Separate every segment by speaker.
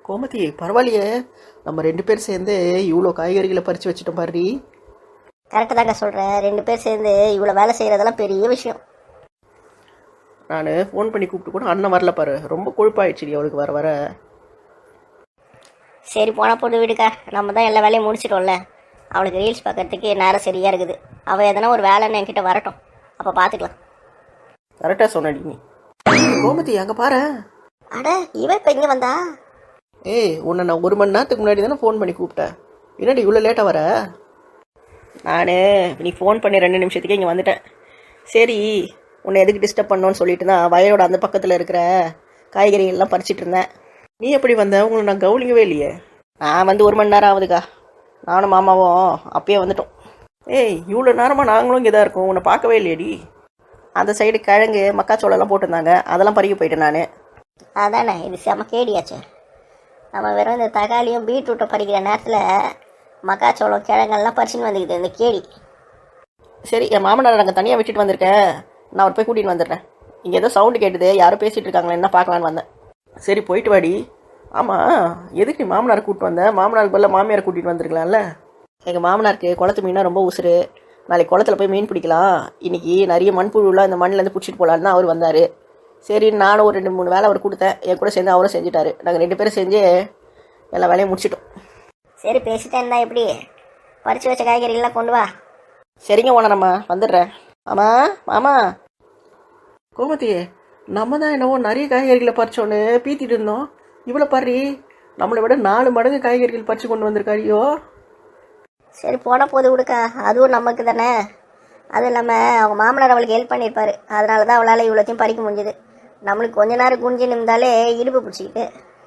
Speaker 1: கோமதி பரவாயில்லையே, நம்ம 2 பேர் சேர்ந்து இவ்வளோ காய்கறிகளை பறித்து வச்சுட்டோம் பாரு.
Speaker 2: கரெக்டாக தாங்க சொல்கிறேன். 2 பேர் சேர்ந்து இவ்வளோ வேலை செய்கிறதெல்லாம் பெரிய விஷயம்.
Speaker 1: நான் ஃபோன் பண்ணி கூப்பிட்டு கூட அண்ணன் வரல பாரு, ரொம்ப கொழுப்பாயிடுச்சு அவளுக்கு வர வர.
Speaker 2: சரி போனால் போட்டு விடுக்கா, நம்ம தான் எல்லா வேலையும் முடிச்சிட்டோம்ல. அவளுக்கு ரீல்ஸ் பார்க்கறதுக்கு நேரம் சரியாக இருக்குது. அவள் எதனா ஒரு வேலைன்னு என்கிட்ட வரட்டும், அப்போ பார்த்துக்கலாம்.
Speaker 1: கரெக்டாக சொன்னடி நீ. கோமதி அங்கே பாரு.
Speaker 2: அட இவன் இப்போ இங்கே வந்தா?
Speaker 1: ஏய், உன்னை நான் 1 மணி நேரத்துக்கு முன்னாடி தானே ஃபோன் பண்ணி கூப்பிட்டேன். என்னடி இவ்வளோ லேட்டாக வர? நான் நீ ஃபோன் பண்ணி 2 நிமிஷத்துக்கே இங்கே வந்துட்டேன். சரி, உன்னை எதுக்கு டிஸ்டர்ப் பண்ணோன்னு சொல்லிட்டு தான் வயலோட அந்த பக்கத்தில் இருக்கிற காய்கறிகள்லாம் பறிச்சிட்டு இருந்தேன். நீ எப்படி வந்த? உங்களை நான் கவனிக்கவே இல்லையே. நான் வந்து 1 மணி நேரம் ஆகுதுக்கா. நானும் மாமாவும் அப்பயே வந்துட்டோம். ஏய், இவ்வளோ நேரமாக நாங்களும் இங்கே தான் இருக்கோம், உன்னை பார்க்கவே இல்லையடி. அந்த சைடு கிழங்கு மக்காச்சோளம்லாம் போட்டிருந்தாங்க, அதெல்லாம் பறிக்க போயிட்டேன் நான்.
Speaker 2: அதானே, இது செம கேடியாச்சு. நம்ம வெறும் இந்த தக்காளியும் பீட்ரூட்டை பறிக்கிற நேரத்தில் மக்காச்சோளம் கிழங்கெல்லாம் பறிச்சுன்னு வந்துக்குது இந்த கேடி.
Speaker 1: சரி, என் மாமனார் அங்கே தனியாக விட்டுட்டு வந்திருக்கேன், நான் அவர் போய் கூட்டிகிட்டு வந்துடுறேன். இங்கே ஏதோ சவுண்டு கேட்டுது, யாரும் பேசிகிட்டு இருக்காங்களே, என்ன பார்க்கலான்னு வந்தேன். சரி போயிட்டு வாடி. ஆமாம், எதுக்கு நீ மாமனார் கூப்பிட்டு வந்தேன்? மாமனாருக்கு பதில் மாமியார் கூட்டிகிட்டு வந்துருக்கலாம்ல. எங்கள் மாமனாருக்கு குளத்து மீனா ரொம்ப உசுறு. நாளைக்கு குளத்துல போய் மீன் பிடிக்கலாம், இன்றைக்கி நிறைய மண்புழுலாம் இந்த மண்ணிலேருந்து பிடிச்சிட்டு போகலான்னு தான் அவர் வந்தார். சரி, நானும் ஒரு 2-3 வேலை அவர் கொடுத்தேன், என் கூட சேர்ந்து அவரும் செஞ்சுட்டாரு. நாங்கள் 2 பேரும் செஞ்சு எல்லா வேலையும் முடிச்சிட்டோம்.
Speaker 2: சரி பேசிட்டேன் தான், எப்படி பறித்து வச்ச காய்கறிகள்லாம் கொண்டு வா.
Speaker 1: சரிங்க ஓனரம்மா, வந்துடுறேன். ஆமாம் மாமா. கோமதி, நம்ம தான் என்னவோ நிறைய காய்கறிகளை பறிச்சோன்னு பீத்திட்டு இருந்தோம். இவ்வளோ பாரு, நம்மளை விட 4 மடங்கு காய்கறிகள் பறித்து கொண்டு வந்திருக்காரியோ.
Speaker 2: சரி போனால் போது கொடுக்கா, அதுவும் நமக்கு தானே. அதுவும் இல்லாமல் அவங்க மாமனார் அவளுக்கு ஹெல்ப் பண்ணியிருப்பாரு, அதனால தான் அவளால் இவ்வளோத்தையும் பறிக்க முடிஞ்சுது. நம்மளுக்கு கொஞ்ச நேரம் குஞ்சு நிமிந்தாலே இடுப்பு பிடிச்சிக்கிட்டு.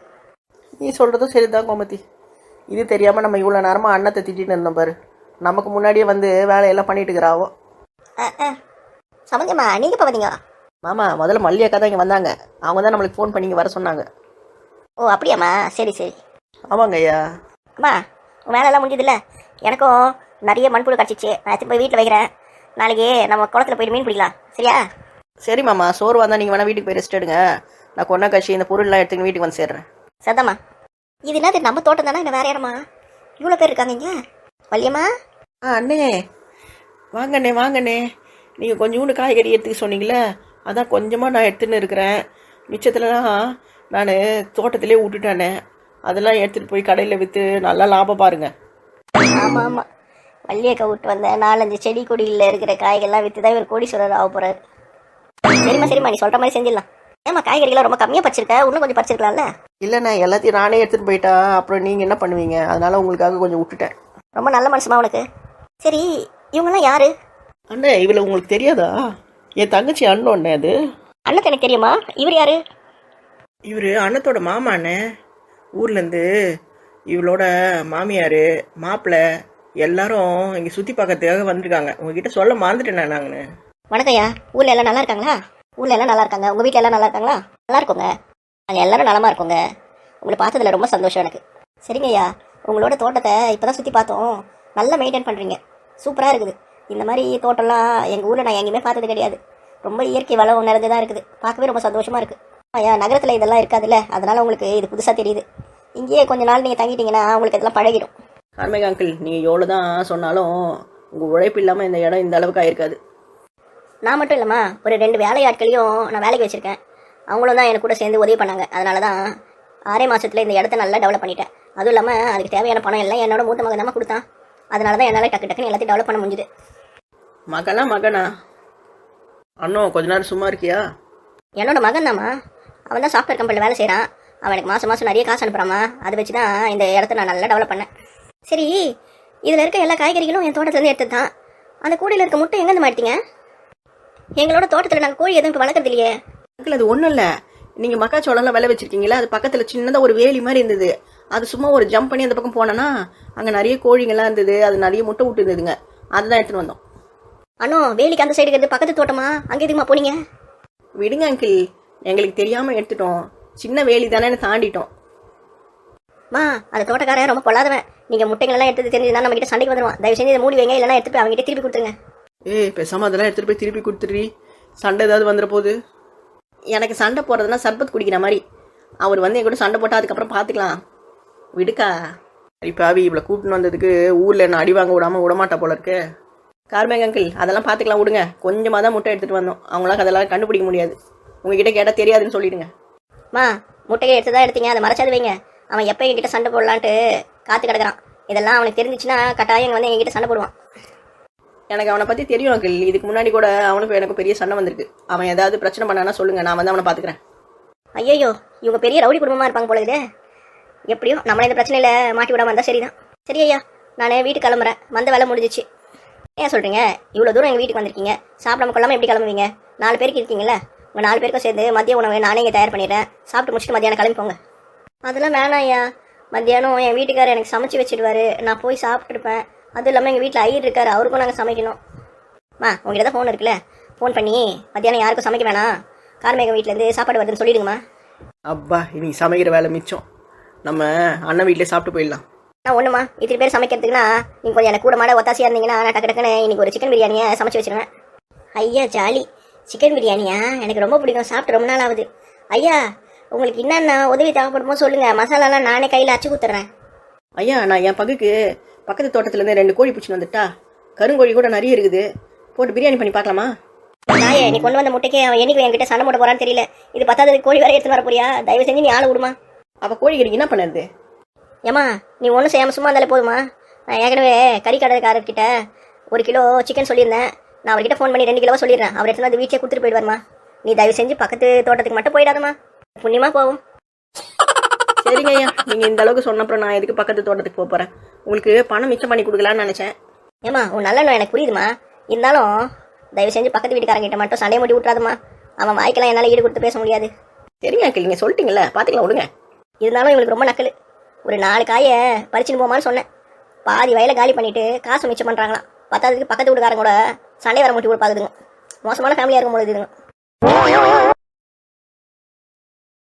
Speaker 1: நீ சொல்கிறதும் சரி தான் கோமதி. இது தெரியாமல் நம்ம இவ்வளோ நேரமாக அன்னத்தை திட்டின்னு இருந்தோம் பாரு. நமக்கு முன்னாடியே வந்து வேலையெல்லாம் பண்ணிட்டு இருக்கிறாவோ.
Speaker 2: சமந்தியம்மா, நீங்கள் இப்போ வந்தீங்க?
Speaker 1: மாமா, முதல்ல மல்லியக்கா தான் இங்கே வந்தாங்க. அவங்க தான் நம்மளுக்கு ஃபோன் பண்ணி வர சொன்னாங்க.
Speaker 2: ஓ அப்படியாம்மா, சரி சரி.
Speaker 1: ஆமாங்க ஐயா.
Speaker 2: அம்மா, உங்கள் வேலையெல்லாம் முடிஞ்சதில்ல. எனக்கும் நிறைய மண்புழு கிடச்சிச்சு, நான் எடுத்து போய் வீட்டில் வைக்கிறேன். நாளைக்கு நம்ம குளத்துல போயிட்டு மீன் பிடிக்கலாம், சரியா?
Speaker 1: சரி மாமா, சோறு வந்தால் நீங்கள் வேணால் வீட்டுக்கு போய் ரெஸ்ட் எடுங்க. நான் கொண்டா கட்சி இந்த பொருள்லாம் எடுத்துன்னு வீட்டுக்கு வந்து சேர்றேன்.
Speaker 2: சதம்மா, இது என்னது நம்ம தோட்டம் தானே, இல்லை வேற யாரம்மா? இவ்வளோ பேர் இருக்காங்க இங்கே. வள்ளியம்மா.
Speaker 1: அண்ணே வாங்கண்ணே வாங்கண்ணே. நீங்கள் கொஞ்சோண்டு காய்கறி எடுத்துக்க சொன்னீங்களே, அதான் கொஞ்சமாக நான் எடுத்துன்னு இருக்கிறேன். மிச்சத்துலலாம் நான் தோட்டத்திலே விட்டுட்டானே, அதெல்லாம் எடுத்துகிட்டு போய் கடையில் விற்று நல்லா லாபம் பாருங்கள்.
Speaker 2: ஆமாம் ஆமாம், வள்ளியக்கா விட்டு வந்த 4-5 செடி கொடியில் இருக்கிற காய்கள்லாம் விற்று தான் இவர் கோடீஸ்வரர் ஆக போகிறாரு. சரிம்மா சரிம்மா, நீ சொல்கிற மாதிரி செஞ்சிடலாம். ஏம்மா, காய்கறிகள்லாம் ரொம்ப கம்மியாக பறிச்சிருக்க, இன்னும் கொஞ்சம் பறிச்சிருக்கலாம்ல?
Speaker 1: இல்லைண்ணா, எல்லாத்தையும் நானே எடுத்துகிட்டு போயிட்டா அப்புறம் நீங்கள் என்ன பண்ணுவீங்க, அதனால் உங்களுக்காக கொஞ்சம் விட்டுட்டேன்.
Speaker 2: ரொம்ப நல்ல மனுஷமா உனக்கு. சரி, இவங்கெல்லாம் யாரு?
Speaker 1: அண்ணே, இவளை உங்களுக்கு தெரியாதா? என் தங்கச்சி அண்ணன் அண்ணே. அது
Speaker 2: அண்ணன் எனக்கு தெரியுமா? இவர் யாரு?
Speaker 1: இவர் அண்ணத்தோட மாமா அண்ணே. ஊர்லேருந்து இவளோட மாமியார் மாப்பிள்ளை எல்லாரும் இங்கே சுற்றி பார்க்கறதுக்காக வந்திருக்காங்க. உங்ககிட்ட சொல்ல மறந்துட்டேன் நாங்கன்னு.
Speaker 2: வணக்கம்யா, ஊரில் எல்லாம் நல்லா இருக்காங்களா? ஊரில் எல்லாம் நல்லா இருக்காங்க. உங்கள் வீட்டில் எல்லாம் நல்லா இருக்காங்களா? நல்லா இருக்கோங்க, நாங்கள் எல்லாரும் நலமாக இருக்கோங்க. உங்களை பார்த்ததில் ரொம்ப சந்தோஷம் எனக்கு. சரிங்கய்யா, உங்களோட தோட்டத்தை இப்போ தான் சுற்றி பார்த்தோம். நல்லா மெயின்டைன் பண்ணுறீங்க, சூப்பராக இருக்குது. இந்த மாதிரி தோட்டம்லாம் எங்கள் ஊரில் நான் எங்கேயுமே பார்த்தது கிடையாது. ரொம்ப இயற்கை வளம் நிறைந்து தான் இருக்குது, பார்க்கவே ரொம்ப சந்தோஷமாக இருக்குது. ஐயா, நகரத்தில் இதெல்லாம் இருக்காதுல்ல, அதனால் உங்களுக்கு இது புதுசாக தெரியுது. இங்கேயே கொஞ்ச நாள் நீங்கள் தங்கிட்டீங்கன்னா உங்களுக்கு இதெல்லாம் பழகிடும்.
Speaker 1: கார்மேக அங்கிள், நீங்கள் எவ்வளோ தான் சொன்னாலும் உங்கள் உழைப்பு இல்லாமல் இந்த இடம் இந்த அளவுக்கு ஆயிருக்காது.
Speaker 2: நான் மட்டும் இல்லைம்மா, ஒரு 2 வேலையாட்களையும் நான் வேலைக்கு வச்சுருக்கேன். அவங்களும் தான் எனக்கு கூட சேர்ந்து உதவி பண்ணாங்க. அதனால தான் 6 மாதத்தில் இந்த இடத்த நல்லா டெவலப் பண்ணிட்டேன். அதுவும் இல்லாமல் அதுக்கு தேவையான பணம் எல்லாம் என்னோட மூத்த மகன் தான் கொடுத்தான். அதனால தான் என்னால் டக்குன்னு எல்லாத்தையும் டெவலப் பண்ண முடிஞ்சுது.
Speaker 1: மகனா அண்ணன் கொஞ்ச நேரம் சும்மா இருக்கியா?
Speaker 2: என்னோட மகன் தாம்மா, அவன் தான் சாஃப்ட்வேர் கம்பெனியில் வேலை செய்கிறான். அவன் எனக்கு மாதம் மாதம் நிறைய காசு அனுப்புகிறாமா, அதை வச்சு தான் இந்த இடத்த நான் நல்லா டெவலப் பண்ணேன். சரி, இதில் இருக்க எல்லா காய்கறிகளும் என் தோட்டத்துலேருந்து எடுத்து தான். அந்த கூடையில் இருக்க முட்டை எங்கேருந்து மாட்டீங்க? எங்களோட தோட்டத்தில் நாங்கள் கோழி எதுவும் இப்போ வளர்க்குறது இல்லையே.
Speaker 1: அங்கிள், அது ஒன்றும் இல்லை. நீங்கள் மக்காச்சோளம்லாம் விளை வச்சுருக்கீங்களா, அது பக்கத்தில் சின்னதாக ஒரு வேலி மாதிரி இருந்தது. அது சும்மா ஒரு ஜம்ப் பண்ணி அந்த பக்கம் போனோன்னா அங்கே நிறைய கோழிங்கெல்லாம் இருந்தது, அது நிறைய முட்டை விட்டு இருந்ததுங்க, அதுதான் எடுத்துகிட்டு வந்தோம்.
Speaker 2: அண்ணோ, வேலிக்கு அந்த சைடு இருக்கிறது பக்கத்து தோட்டமா? அங்கே எதுக்குமா போனீங்க?
Speaker 1: விடுங்க அங்கிள், எங்களுக்கு தெரியாமல் எடுத்துட்டோம். சின்ன வேலி தானே தாண்டிட்டோம்.
Speaker 2: மா, அந்த தோட்டக்காரன் ரொம்ப பொல்லாதவன். நீங்கள் முட்டைகளெல்லாம் எடுத்து தெரிஞ்சுதான் நம்ம கிட்ட சண்டைக்கு வந்துடுவான். தயவு செஞ்சு இதை மூடி வைங்க, இல்லைன்னா எடுத்துட்டு போய் அவங்ககிட்ட திருப்பி கொடுத்துருங்க.
Speaker 1: பேசாமல் அதெல்லாம் எடுத்துகிட்டு போய் திருப்பி கொடுத்துட்றீ, சண்டை ஏதாவது வந்துட போகுது. எனக்கு சண்டை போடுறதுனா சர்பத் குடிக்கிற மாதிரி. அவர் வந்து என் கூட சண்டை போட்டால் அதுக்கப்புறம் பார்த்துக்கலாம். விடுக்கா. இப்போ அவி இவ்வளோ கூப்பிட்டு வந்ததுக்கு ஊரில் என்ன அடி வாங்க விடாமல் விடமாட்டா போல இருக்கு. கார்மேங்க அங்கிள், அதெல்லாம் பார்த்துக்கலாம் விடுங்க. கொஞ்சமாக தான் முட்டை எடுத்துகிட்டு வந்தோம். அவங்களால அதெல்லாம் கண்டுபிடிக்க முடியாது. உங்ககிட்ட கேட்டால் தெரியாதுன்னு சொல்லிடுங்க.
Speaker 2: மா, முட்டையை எடுத்து தான் எடுத்தீங்க, அதை மறைச்சாது வைங்க. அவன் எப்போ என்கிட்ட சண்டை போடலான்ட்டு காத்து கிடக்குறான். இதெல்லாம் அவனுக்கு தெரிஞ்சிச்சுன்னா கட்டாயம் இங்க வந்து என்கிட்ட சண்டை போடுவான்.
Speaker 1: எனக்கு அவனை பற்றி தெரியும் அங்கிள். இதுக்கு முன்னாடி கூட அவனுக்கும் எனக்கு பெரிய சண்டை வந்திருக்கு. அவன் ஏதாவது பிரச்சனை பண்ணானா சொல்லுங்கள், நான் வந்து அவனை பார்த்துக்கிறேன்.
Speaker 2: ஐயோ, இவங்க பெரிய ரவுடி குடும்பமாக இருப்பாங்க போல இது. எப்படியோ நம்மளை இந்த பிரச்சனையில் மாட்டி விடாம இருந்தால் சரிதான். சரி ஐயா, நான் வீட்டுக்கு கிளம்புறேன். வந்த வேலை முடிஞ்சிச்சு. ஏன் சொல்கிறீங்க? இவ்வளோ தூரம் எங்கள் வீட்டுக்கு வந்திருக்கீங்க, சாப்பிடாம கொள்ளாமல் எப்படி கிளம்புவீங்க? 4 பேருக்கு இருக்கீங்களா? உங்கள் 4 பேருக்கும் சேர்ந்து மதிய உணவு நானே இங்கே தயார் பண்ணிடுறேன். சாப்பிட்டு முடிச்சுட்டு மத்தியானம் கிளம்பிப்போங்க. அதெல்லாம் வேணாம் ஐயா. மத்தியானம் என் வீட்டுக்காரர் எனக்கு சமைச்சு வச்சுடுவார். நான் போய் சாப்பிட்டுருப்பேன். அதுவும் இல்லாமல் எங்கள் வீட்டில் ஐயர் இருக்கார், அவருக்கும் நாங்கள் சமைக்கணும். உங்கள்கிட்ட தான் ஃபோன் இருக்குல்ல, ஃபோன் பண்ணி மத்தியானம் யாருக்கும் சமைக்க வேணாம், கார்மேகம் வீட்டிலேருந்து சாப்பாடு வருதுன்னு சொல்லிடுங்கம்மா.
Speaker 1: அப்பா, இன்னைக்கு சமைக்கிற வேலை மிச்சம். நம்ம அண்ணன் வீட்டிலே சாப்பிட்டு போயிடலாம்.
Speaker 2: நான் ஒன்றுமா, இத்தனை பேர் சமைக்கிறதுக்குன்னா நீங்கள் கொஞ்சம் எனக்கு கூட மாட ஒத்தாசியாக இருந்தீங்கன்னா நான் டக்கு டக்குன்னு இன்னைக்கு ஒரு சிக்கன் பிரியாணியை சமைச்சு வச்சிருவேன். ஐயா ஜாலி, சிக்கன் பிரியாணியா எனக்கு ரொம்ப பிடிக்கும். சாப்பிட்டு ரொம்ப நாள் ஆகுது. ஐயா, உங்களுக்கு என்னென்ன உதவி தேவைப்படுமோ சொல்லுங்கள், மசாலாலாம் நானே கையில் அச்சு கொடுத்துட்றேன்.
Speaker 1: ஐயா, நான் என் பகுக்கு பக்கத்து தோட்டத்துலேருந்து 2 கோழி பிடிச்சின்னு வந்துட்டா. கருங்கோழி கூட நிறைய இருக்குது. போட்டு பிரியாணி பண்ணி பார்க்கலாமா?
Speaker 2: நாயே, நீ கொண்டு வந்த முட்டைக்கு அவன் என்னைக்கு என்கிட்ட சண்டை போட போறான்னு தெரியல. இது பத்தாவது கோழி வேற எடுத்துன்னு வர போறியா? தயவு செஞ்சு நீ ஆளை விடுமா.
Speaker 1: அப்போ கோழிக்கறிக்கு என்ன பண்ணுறது?
Speaker 2: ஏமா, நீ ஒன்றும் செய்யாமல் சும்மா இருந்தாலே போதுமா. நான் ஏற்கனவே கறி கடைக்காரர்கிட்ட 1 கிலோ சிக்கன் சொல்லியிருந்தேன். நான் அவர்கிட்ட ஃபோன் பண்ணி 2 கிலோவா சொல்லிடுறேன். அவர் எடுத்து வந்து வீட்டிலே கொடுத்துட்டு போயிடுவாருமா. நீ தயவு செஞ்சு பக்கத்து தோட்டத்துக்கு மட்டும் போயிடாதம்மா, புண்ணியமா போகும்.
Speaker 1: சரிங்க ஐயா, நீங்கள் இந்த அளவுக்கு சொன்னப்புறம் நான் எதுக்கு பக்கத்து தோட்டத்துக்கு போகிறேன்? உங்களுக்கு பணம் மிச்சம் பண்ணி கொடுக்கலான்னு நினச்சேன்.
Speaker 2: ஏமா, உன் நல்ல எனக்கு புரியுதுமா. இருந்தாலும் தயவு செஞ்சு பக்கத்து வீட்டுக்காரங்கிட்ட மட்டும் சண்டையை மூட்டி விட்றாதுமா. அவன் வாய்க்கெல்லாம் என்னால் ஈடு கொடுத்து பேச முடியாது.
Speaker 1: சரிங்க அங்கிள், நீங்கள் சொல்லிட்டீங்களே, பார்த்துக்கலாம் விடுங்க.
Speaker 2: இருந்தாலும் இவங்களுக்கு ரொம்ப நக்கல். ஒரு 4 காயை பறிச்சுன்னு போமான்னு சொன்னேன். பாதி வயலை காலி பண்ணிட்டு காசு மிச்சம் பண்ணுறாங்களாம். பத்தாவதுக்கு பக்கத்து வீட்டுக்காரங்க கூட சண்டை வர மூட்டி கூட பார்க்குதுங்க. மோசமான ஃபேமிலியாக இருக்கும் போது இதுங்க.